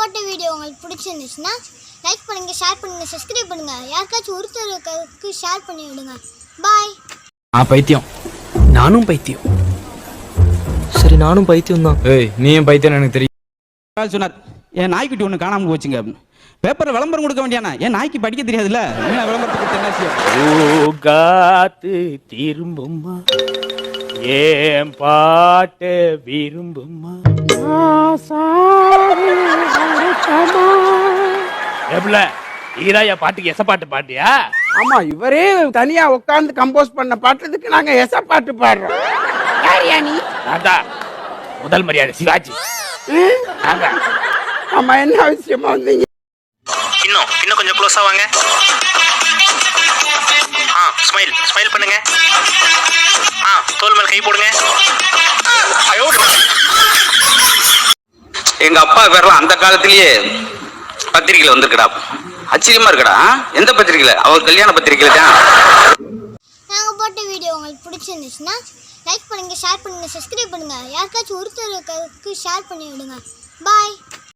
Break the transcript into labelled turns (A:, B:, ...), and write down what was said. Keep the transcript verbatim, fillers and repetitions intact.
A: போட்ட வீடியோ உங்களுக்கு பிடிச்சிருந்துச்சுன்னா லைக் பண்ணுங்க, ஷேர் பண்ணுங்க, சப்ஸ்கிரைப் பண்ணுங்க. யாருக்காச்சும் ஒருத்தருக்கு ஷேர் பண்ணி விடுங்க. பாய்.
B: ஆ பைத்தியம். நானும் பைத்தியம்.
C: சரி நானும் பைத்தியம் தான்.
B: ஏய் நீயும் பைத்தியம் எனக்கு தெரியும்.
D: சொன்னார் என் நாய்க்குட்டி ஒன்று காணாமல் போச்சுங்க அப்படின்னு. பேப்பரில் விளம்பரம் கொடுக்க வேண்டியானா? என் நாய்க்கு படிக்க தெரியாதுல்ல, என்ன விளம்பரத்துக்கு என்ன
E: காத்து திரும்புமா ஏன் பாட்டு விரும்புமா எப்பல ஈராயா பாட்டுக்கு எச பாட்டு பாட்டியா?
F: ஆமா, இவரே தனியா உட்கார்ந்து கம்போஸ் பண்ண பாட்டுறதுக்கு நாங்க எச பாட்டு பாடுறோம். யாரியா நீ?
E: அதான் முதல் மரியாதை சிவாஜி.
F: ஆமா, என்ன அவசியமா வந்தீங்க?
G: இன்னும் இன்னும் கொஞ்சம் க்ளோஸா வாங்க. ஆ ஸ்மைல் ஸ்மைல் பண்ணுங்க. ஆ தோல் மேல கை போடுங்க.
H: எங்க அப்பா பேர்லாம் அந்த காலத்திலேயே பத்திரிகையில வந்திருக்கடா. ஆச்சரியமா இருக்கடா. எந்த பத்திரிகையில? அவர் கல்யாண பத்திரிகையில தான்.
A: நாங்க போட்ட வீடியோ உங்களுக்கு பிடிச்சிருந்துச்சுன்னா லைக் பண்ணுங்க, ஷேர் பண்ணுங்க, சப்ஸ்கிரைப் பண்ணுங்க. யாருக்காச்சும் ஒருத்தருக்கு ஷேர் பண்ணி விடுங்க. பாய்.